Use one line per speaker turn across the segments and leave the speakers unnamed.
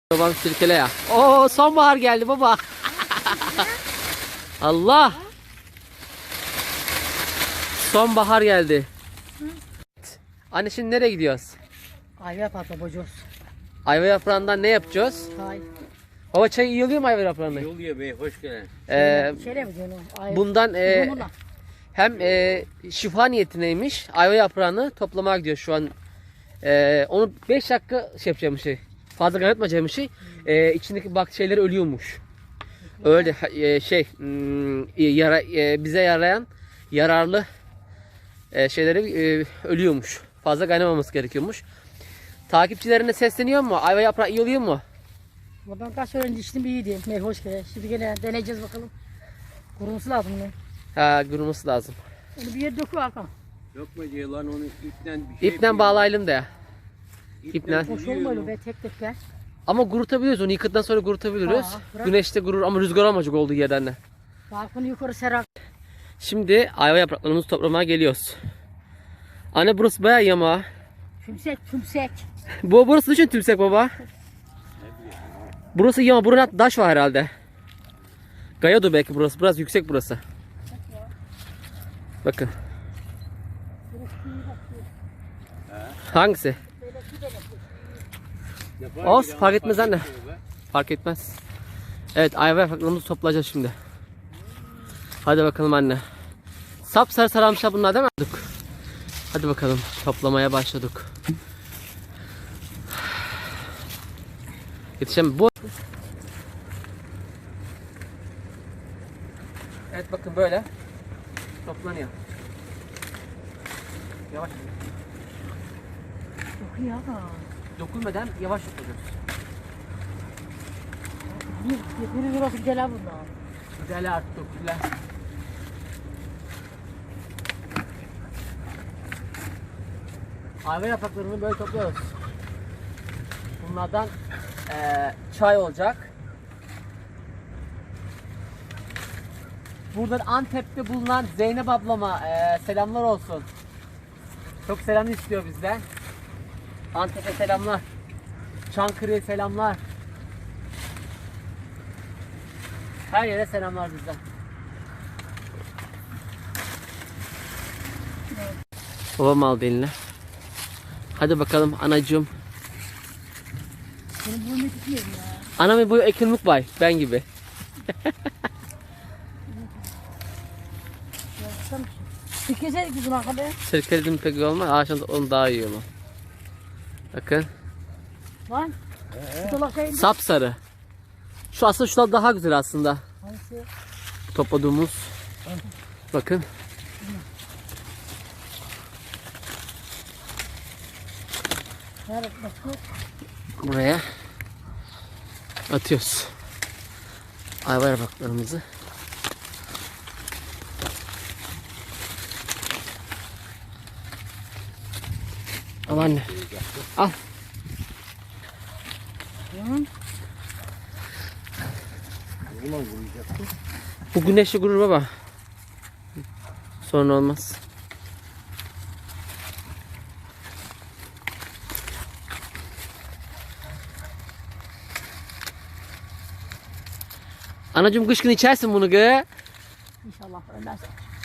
Babam sirkele ya. Oo, sonbahar geldi baba. Allah. Sonbahar geldi. Anne şimdi nereye gidiyoruz?
Ayva patlatacağız.
Ayva yaprağından ne yapacağız?
Hay.
Baba çay iyi oluyor mu ayva yaprağından?
Yol ye bey, hoş geldin.
Şöyle mi diyorsun?
Bundan hem şifa niyetineymiş. Ayva yaprağını toplamaya gidiyor şu an. Onu 5 dakika şey yapacağım şey. Fazla kaynatmayacağım şey. İçindeki şeyler ölüyormuş. Öyle bize yarayan yararlı şeyleri ölüyormuş. Fazla kaynamaması gerekiyormuş. Takipçilerine sesleniyor mu? Ayva yaprağı iyi oluyor mu?
Ben kaç önce içtim iyiydi. Hoş geldin. Şimdi gene deneyeceğiz bakalım. Kuruması lazım bunu.
Ha, kuruması lazım.
Onu bir yere dökü Hakan.
Yok mu diye lan onu ipten bir şey
İpten bağlayalım da ya. İpten.
Hoş olmuyor be tek tek be.
Ama kurutabiliyoruz onu. Yıkadıktan sonra kurutabiliyoruz.
Ha, bırak.
Güneşte kurur ama rüzgar olmayacak olduğu yerden de.
Balkonu yukarı serak.
Şimdi ayva yapraklarımızı toplamaya geliyoruz. Anne burası bayağı yama.
Tümsek.
Burası düşün tümsek baba. Burası yama. Buranın taş var herhalde. Gayadı belki burası. Biraz yüksek burası. Bakın. Hangisi? Olsun, fark etmez anne. Fark etmez. Evet, ayva yapraklarımızı toplayacağız şimdi. Hadi bakalım anne. Sapsarı sararmışlar bunlar değil mi? Hadi bakalım, toplamaya başladık. Yetişemem. Evet bakın böyle toplanıyor. Yavaş.
Çok iyi Hakan.
Dokunmadan yavaş yapıyoruz.
Bir burası güzel ha bunlar.
Güzel artık güzel. Ayva yapraklarını böyle topluyoruz. Bunlardan çay olacak. Buradan Antep'te bulunan Zeynep ablama selamlar olsun. Çok selam istiyor bizden. Antep'e selamlar. Çankırı'ya selamlar. Her yere selamlar bizden. Babam aldı eline. Hadi bakalım anacığım.
Benim boyum yetişmiyor ya.
Anamın boyu ekilmek var ben gibi.
Tükeseydik biz bunu Hakan be.
Sirkeledim pek iyi olmaz. Ağaçtan onu daha iyi ama. Bakın.
Lan. Şu dolak şey.
Sapsarı. Şu aslında şunlar daha güzel aslında.
Hangisi?
Topladığımız. Bakın.
Nerede bakıyor?
Buraya atıyoruz. Ayva yapraklarımızı. Al anne. Al. Bu güneşli gurur baba. Sonra olmaz. Anacığım kış günü içersin bunu gı.
İnşallah ölmez.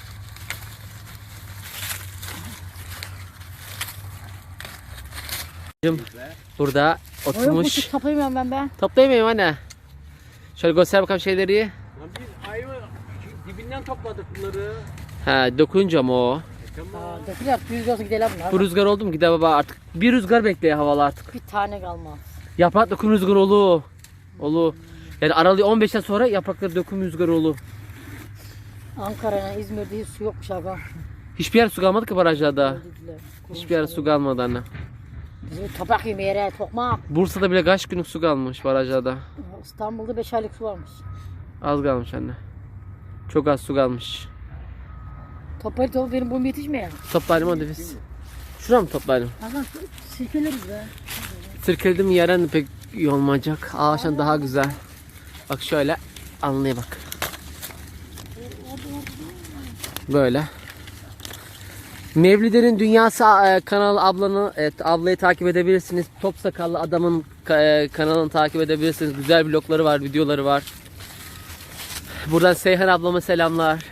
Burada
Oğlum bu
oturmuş.
tut toplayamıyorum ben be.
Toplayamıyorum anne. Şöyle göster bakalım şeyleri.
Lan biz ayva dibinden topladık bunları.
Ha, dokunca ama o.
Tamam.
Aa, döküler. Yüz olsun gidelim bunlar.
Bu rüzgar oldu mu gider baba artık. Bir rüzgar bekliyor havalı artık.
Bir tane kalmaz.
Yaprak döküm rüzgar olur. Olur. Yani aralığı 15'ten sonra yaprakları döküm rüzgar olur.
Ankara'ya, İzmir'de hiç su yokmuş Hakan.
Hiçbir yer su kalmadı ki barajlarda.
Dediler.
Hiçbir yer su kalmadı anne.
Bizim toprak yemeye tokmak.
Bursa'da bile kaç günlük su kalmış barajlarda.
İstanbul'da 5 aylık su varmış.
Az kalmış anne. Çok az su kalmış.
Toplayıp toplayıp benim boyum yetişmiyor.
Toplayalım hadi biz. Şuraya mı toplayalım?
Hakan sirkeleriz be.
Sirkeledim yeren pek iyi olmayacak. Ağaçtan daha güzel. Bak şöyle anlaya bak. Böyle. Mevlide'nin Dünyası kanalı ablayı takip edebilirsiniz. Top sakallı adamın kanalını takip edebilirsiniz. Güzel vlogları var, videoları var. Buradan Seyhan ablama selamlar.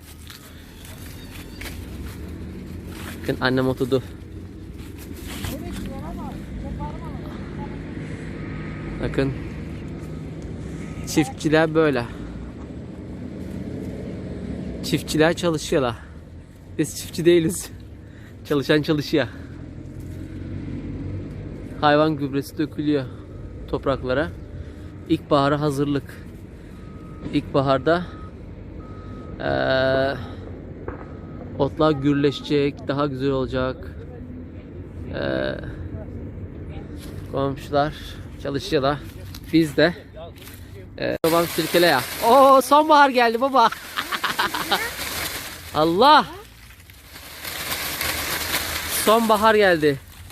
Bakın annem oturdu. Bakın. Çiftçiler böyle. Çiftçiler çalışıyorlar. Biz çiftçi değiliz. Çalışan çalışıyor. Hayvan gübresi dökülüyor topraklara. İlkbahara hazırlık. İlkbaharda otlar gürleşecek, daha güzel olacak. Komşular çalışıyorlar. Biz de babam sirkele ya. Oo, sonbahar geldi baba. Allah. Sonbahar geldi.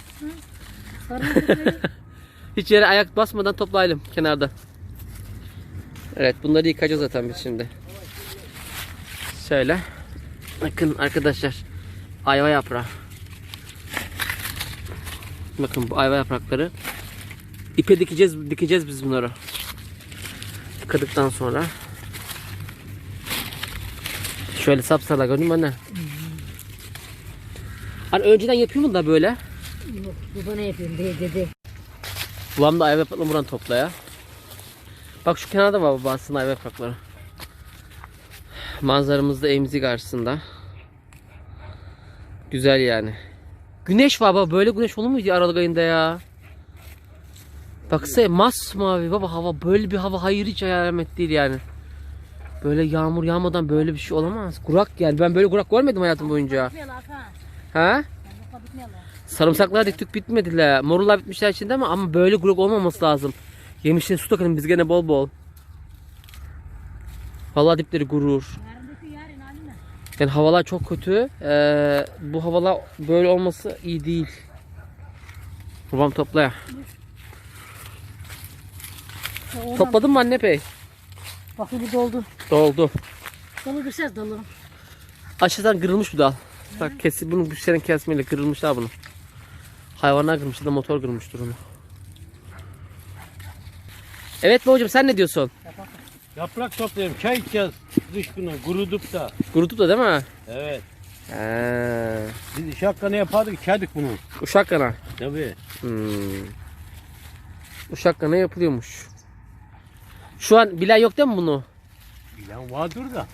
Hiç yere ayak basmadan toplayalım kenarda. Evet, bunları yıkayacağız zaten biz şimdi. Şöyle. Bakın arkadaşlar. Ayva yaprağı. Bakın bu ayva yaprakları. İpe dikeceğiz biz bunları. Yıkadıktan sonra. Şöyle sapsala görünüyor mu anne? Hani önceden yapıyor mu da böyle?
Yok, bu bana yapıyorum dedi.
Babam da ayva yapraklarını buradan topla ya. Bak şu kenarda var baba aslında ayva yaprakları. Manzaramız da evimizin karşısında. Güzel yani. Güneş var baba, böyle güneş olur muydu Aralık ayında ya? Baksana masmavi baba hava, böyle bir hava hayır hiç alamet değil yani. Böyle yağmur yağmadan böyle bir şey olamaz. Kurak yani, ben böyle kurak görmedim hayatım boyunca. Ha? Sarımsaklar diktik bitmediler. Morullar bitmişler içinde ama böyle kurak olmaması lazım. Yemişleri su takalım biz gene bol bol. Vallahi dipleri gurur. Yani havalar çok kötü. Bu havalar böyle olması iyi değil. Babam topla ya. Topladın mı anne pey?
Bak bu doldu.
Doldu.
Dolu bir ses dolu.
Aşağıdan kırılmış bu dal. Bak bunu bu senin kesmeyle kırılmışlar bunu. Hayvanlar kırmış da motor kırmıştır onu. Evet babacığım, sen ne diyorsun?
Yaprak toplayalım. Çay içeceğiz. Dış günü kurudup da.
Kurutup da değil mi?
Evet.
He.
Biz iş hakkını yapardık, içerdik bunu.
Uşak kana.
Tabii.
Uşak kana yapılıyormuş. Şu an bilen yok değil mi bunu?
Bilen vardır da.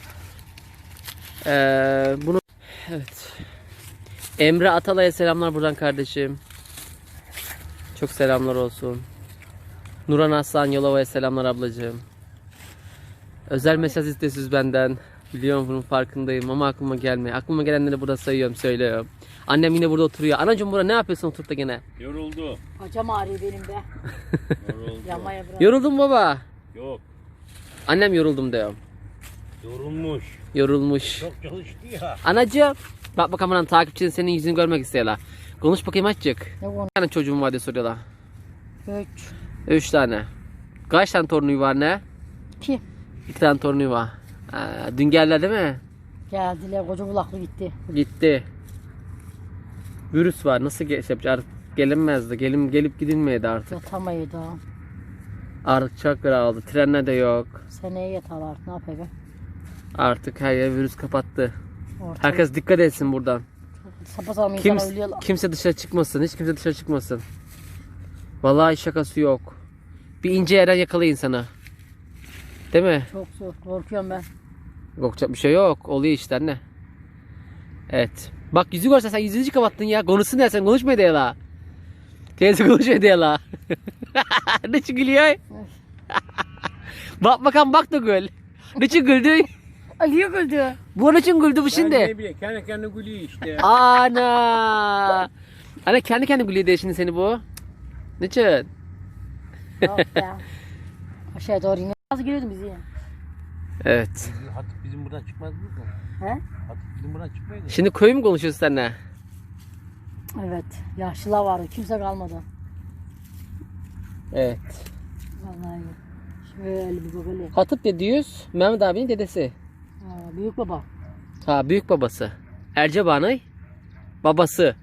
Bunu evet. Emre Atalay'a selamlar buradan kardeşim. Çok selamlar olsun. Nuran Aslan Yolova'ya selamlar ablacığım. Özel mesaj istesiz benden. Biliyorum, bunun farkındayım ama aklıma gelmiyor. Aklıma gelenleri burada sayıyorum, söylüyorum. Annem yine burada oturuyor. Anacığım burada ne yapıyorsun oturup da gene?
Yoruldu.
Bacam ağrıyor benim de.
Yoruldu.
Yamaya bırak.
Yoruldum baba.
Yok.
Annem yoruldum diyor.
Yorulmuş.
Yorulmuş.
Çok çalıştı ya.
Anacığım. Bak bakalım lan, takipçinin senin yüzünü görmek istiyorlar. Konuş bakayım azıcık.
Ne bu?
Kaç tane çocuğum var diye soruyorlar.
3.
3 tane. Kaç tane torunu var ne?
2.
2 tane torunu var. Dün geldiler değil mi?
Geldiler, koca kulaklı gitti.
Gitti. Virüs var. Nasıl yapacak? Artık gelinmezdi. Gelip gidilmeydi artık.
Yatamayı da.
Artık çok aldı. Trenler de yok.
Seneye yatar artık, ne yapayım?
Artık her yer virüs kapattı.
Ortalık
Herkes dikkat etsin buradan.
sapasağlam insan ölüyorlar.
Kimse dışarı çıkmasın. Hiç kimse dışarı çıkmasın. Vallahi şakası yok. Bir ince yerden yakala insanı. Değil mi?
Çok zor, korkuyorum ben.
Korkacak bir şey yok. Oluyor işte anne. Evet. Bak yüzü görsen, sen yüzünü kapattın ya. Konuşsun ya, sen konuşma diye la. Teyze konuşma diye la. Ne için gülüyor? Bak bakalım, bak da gül. Ne için güldü?
Aliye güldü.
Bu ne için güldü bu şimdi?
Ben ne bileyim, kendi kendine gülüyor işte.
Ana. Ana kendi gülüyor diye şimdi seni bu. Ne için?
Yok ya. Aşağıya doğru iniyor. Nasıl giriyordun bizi ya?
Evet.
Hatip bizim buradan çıkmaz mı?
He?
Hatip bizim buradan çıkmaydı.
Şimdi köy mü konuşuyorsun seninle?
Evet. Yaşlılar vardı. Kimse kalmadı.
Evet.
Vallahi. Şöyle bir bak öyle.
Hatip dediğiz Mehmet abinin dedesi.
Büyük baba.
Ha, büyük babası. Ercebanay. Babası.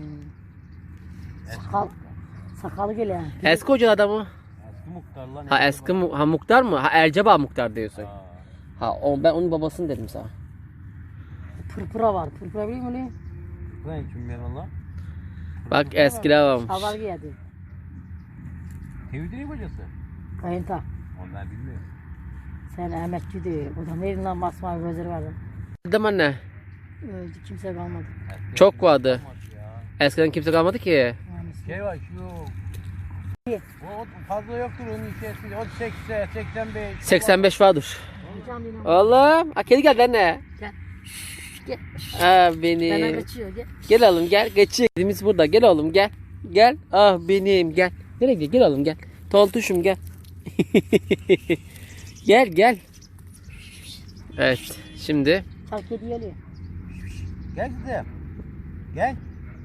Sakalı gele.
Eski hoca adamı.
Eski muhtar lan.
Ha eski muhtar mı? Ha Erceba muhtar diyorsun.
Ha.
Ha ben onun babasını dedim sana.
Pırpıra var. Pırpıra biliyor musun?
Bu ne kim ben lan?
Bak eskiler varmış.
Şalvar giyerdi.
Tevhidin hocası.
Kayınta.
Onu ben bilmiyorum.
Sen Ahmetçiydi. O da neydi lan masmavi gözleri vardı.
Dedim anne.
Öldü kimse kalmadı.
Çok vardı.
Ya.
Eskiden kimse kalmadı ki.
Yani
Şey var şu. O fazla yoktur onun içerisinde. O 80, 85.
85 vardır.
Hocam yine.
Oğlum. Ha kedi geldi anne.
Gel. Gel.
Ha
Bana
benim.
kaçıyor gel.
Gel oğlum gel. Geçiyor. Kedimiz burada. Gel oğlum gel. Gel. Ah benim gel. Nereye gidiyor? Gel oğlum gel. Tontuşum gel. Gel gel. Evet. Şimdi
Çal kedi geliyor.
Gel kızım. Gel.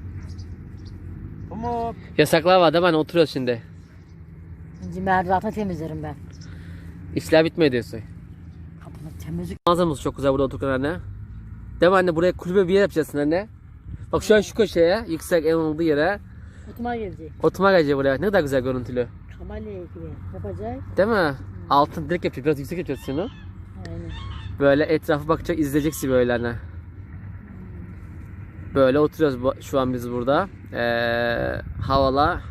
Pamuk.
yasaklar var değil mi? Hani oturuyoruz şimdi.
Şimdi merdivatını temizlerim ben.
İşler bitmiyor diyorsun.
Kapını temizlik.
Manzaramız çok güzel burada otururken anne. Değil mi anne? Buraya kulübe bir yer yapacaksın anne. Bak şu an şu köşeye, yüksek en olduğu yere
Oturma gelecek.
oturma gelecek buraya. Ne kadar güzel görüntülü.
Kamalya ilgili yapacak.
Değil mi? Altın direkt yapacağız. Biraz yüksek yapacağız şunu.
Aynen.
Böyle etrafı bakacak, izleyeceksin böyle anne. Böyle oturuyoruz şu an biz burada. Havala.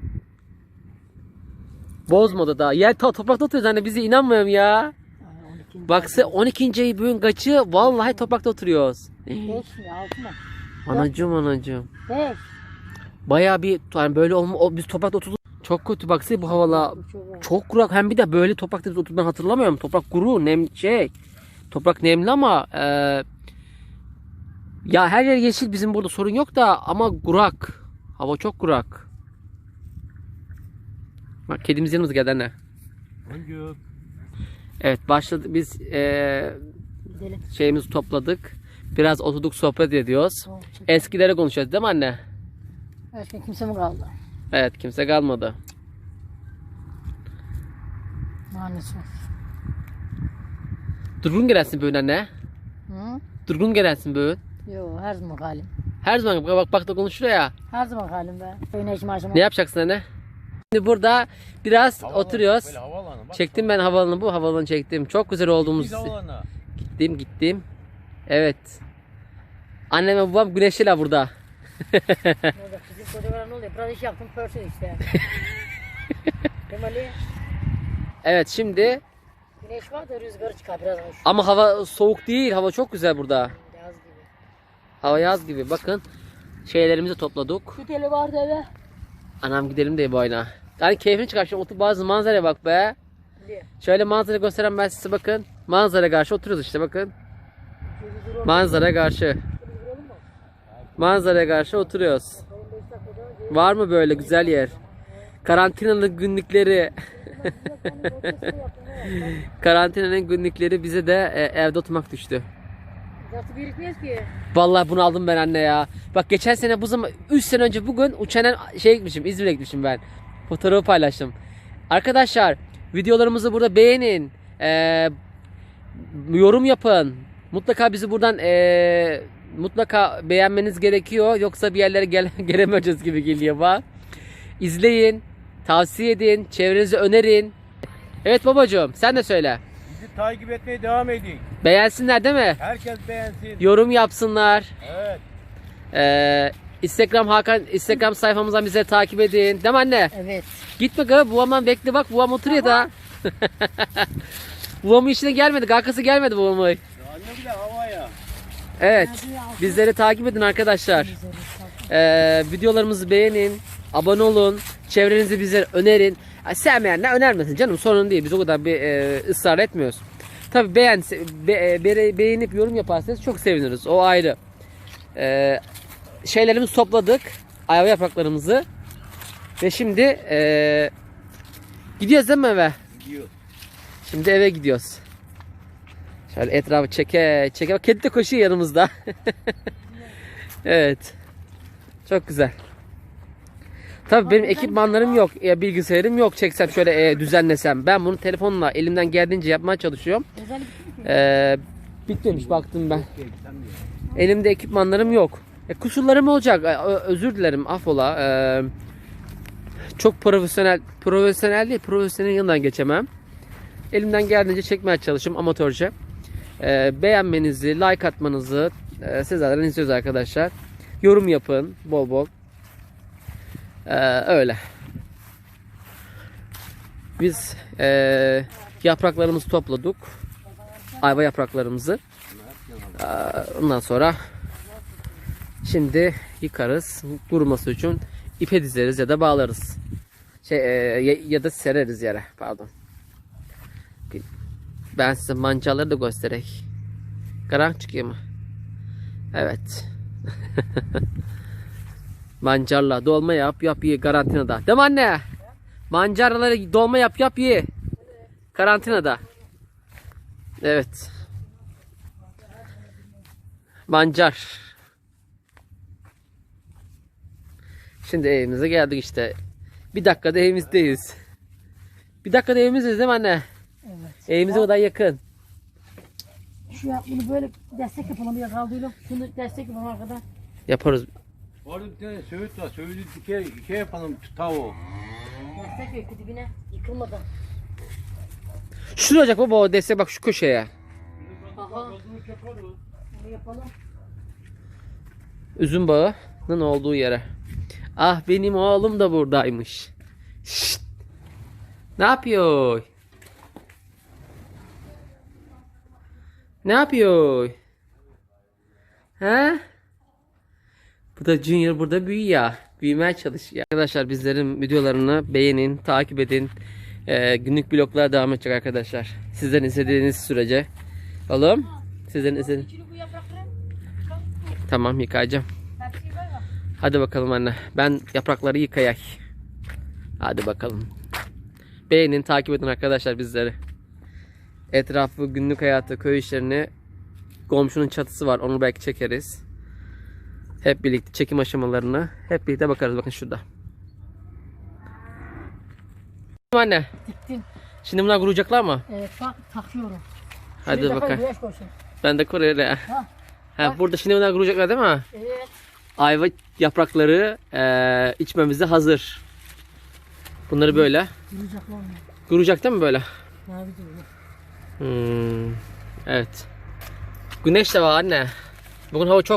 Bozmadı daha. Yer toprakta oturuyoruz anne. Bize inanmıyorum ya.
Ay, 12.
Baksa 12. ayı bugün kaçı? Vallahi toprakta oturuyoruz.
5 mi 6 mı?
Anacığım.
5.
Bayağı bir yani böyle biz toprakta oturduk. Çok kötü baksana bu havalar. Çok kurak. Hem bir de böyle toprakta biz oturduğunu hatırlamıyorum. Toprak kuru, toprak nemli ama ya her yer yeşil, bizim burada sorun yok da ama kurak. Hava çok kurak. Bak kedimiz yanımıza geldi anne.
Boncuk.
Evet başladık biz
Gidelim.
şeyimizi topladık. Biraz oturduk sohbet ediyoruz.
Tamam, çek.
Eskileri konuşuyoruz değil mi anne?
Başka kimse mi kaldı?
Evet kimse kalmadı.
Maalesef.
Durgun gelsin böyle anne.
Hı?
Durgun gelsin böyle.
Yo her zaman halim.
Her zaman bak da konuşuyor ya.
Her zaman halim be. Güneş maşıma.
Ne yapacaksın anne? Şimdi burada biraz
Havalanı,
oturuyoruz.
Böyle havalanı. Bak.
Çektim ben havalanı, bu havalanı çektim. Çok güzel olduğumuz.
Biz havalanı.
Gittim. Evet. Annem ve babam güneşliler burada.
Orada bizim kocaman ne oluyor? Biraz iş yaptım pörsün işte. Temeli
Evet şimdi
güneş var da rüzgarı çıkar biraz.
ama hava soğuk değil. Hava çok güzel burada.
Yaz gibi.
Hava yaz gibi. Bakın şeylerimizi topladık.
Şu teli vardı eve.
Anam gidelim de bu oyuna. Yani keyfini çıkar. Şimdi otur bazı manzaraya bak be.
Diye.
Şöyle manzara gösteren ben size bakın. Manzara karşı oturuyoruz işte bakın. Manzara karşı. Manzara karşı oturuyoruz. Var mı böyle güzel yer? Karantinanın günlükleri. Karantinanın günlükleri bize de evde oturmak düştü.
Nasıl birikmiyoruz ki?
Vallahi bunu aldım ben anne ya. Bak geçen sene bu zaman 3 sene önce bugün uçanen gitmişim. İzmir'e gitmişim ben. Fotoğrafı paylaştım. Arkadaşlar videolarımızı burada beğenin. Yorum yapın. Mutlaka bizi buradan mutlaka beğenmeniz gerekiyor. Yoksa bir yerlere gelemeyeceğiz gibi geliyor bak. İzleyin. Tavsiye edin. Çevrenize önerin. Evet babacığım sen de söyle.
Bizi takip etmeye devam edin.
Beğensinler değil mi?
Herkes beğensin.
Yorum yapsınlar.
Evet.
Instagram sayfamızdan bize takip edin. Değil mi anne?
Evet.
Gitme galiba babamdan bekle bak babam oturuyor da. Babamın işine gelmedi. Arkası gelmedi babamın.
Anne bile havaya.
Evet. Bizleri takip edin arkadaşlar. Videolarımızı beğenin. Abone olun. Çevrenizi bize önerin. Sevmeyenler önermesin canım. Sorun değil. Biz o kadar bir ısrar etmiyoruz. Tabii beğenip yorum yaparsanız çok seviniriz. O ayrı. Şeylerimizi topladık. Ayva yapraklarımızı. Ve şimdi gidiyoruz değil mi eve?
Gidiyor.
Şimdi eve gidiyoruz. Şöyle etrafı çeke. Bak kedi de koşuyor yanımızda. Evet. Çok güzel. Tabii benim ekipmanlarım yok. Bilgisayarım yok. Çeksem şöyle düzenlesem. Ben bunu telefonla elimden geldiğince yapmaya çalışıyorum.
Özellikle
Bitmemiş baktım ben. Elimde ekipmanlarım yok. Kusurlarım olacak. Özür dilerim. Affola. Çok profesyonel değil. Profesyonel yanından geçemem. Elimden geldiğince çekmeye çalışıyorum amatörce. Beğenmenizi, like atmanızı sizlerden istiyoruz arkadaşlar. Yorum yapın bol bol. Öyle. Biz yapraklarımızı topladık. Ayva yapraklarımızı. Ondan sonra şimdi yıkarız. Kuruması için ipe dizeriz ya da bağlarız. Ya da sereriz yere. Pardon. Ben size mancaları da göstereyim. Karanlık çıkıyor mu? Evet. Mancarla dolma yap ye karantinada. Değil mi anne? Mancarları dolma yap ye. Karantinada. Evet. Mancar. Şimdi evimize geldik işte. Bir dakikada evimizdeyiz. Bir dakikada evimizdeyiz değil mi anne?
Evet.
Evimize o kadar yakın.
Bunu böyle destek yapalım ya kaldıyla. Şunu destek yapalım arkadan.
Yaparız.
Orada bir tane söğüt var. Söğütü dike yapalım tavuğu.
Destek yok dibine yıkılmadan.
Şuraya olacak baba o destek bak şu köşeye.
Aha. Bunu yapalım.
Üzüm bağının olduğu yere. Ah benim oğlum da buradaymış. Şşt. Ne yapıyor? Ne yapıyor? He? Bu da Junior burada büyüyor. Büyümeye çalışıyor. Arkadaşlar bizlerin videolarını beğenin, takip edin. Günlük bloklar devam edecek arkadaşlar. Sizden istediğiniz sürece. Oğlum, sizden istediğiniz. Tamam yıkayacağım. Hadi bakalım anne. Ben yaprakları yıkayak. Hadi bakalım. Beğenin, takip edin arkadaşlar bizleri. Etrafı, günlük hayatı, köy işlerini, komşunun çatısı var. Onu belki çekeriz. Hep birlikte çekim aşamalarını hep birlikte bakarız. Bakın şurada. Anne.
Diktim.
Şimdi bunlar kuruyacaklar mı?
Evet bak takıyorum.
Hadi
Şuraya
bakalım.
güneş koysun.
Ben de kuruyorum.
Ha.
Ha, burada şimdi bunlar kuruyacaklar değil mi?
Evet.
Ayva yaprakları içmemize hazır. Bunları böyle.
Duracaklar mı?
Kuruyacak değil mi böyle?
Mavi duruyor.
Evet. Güneş de var anne. Bugün hava çok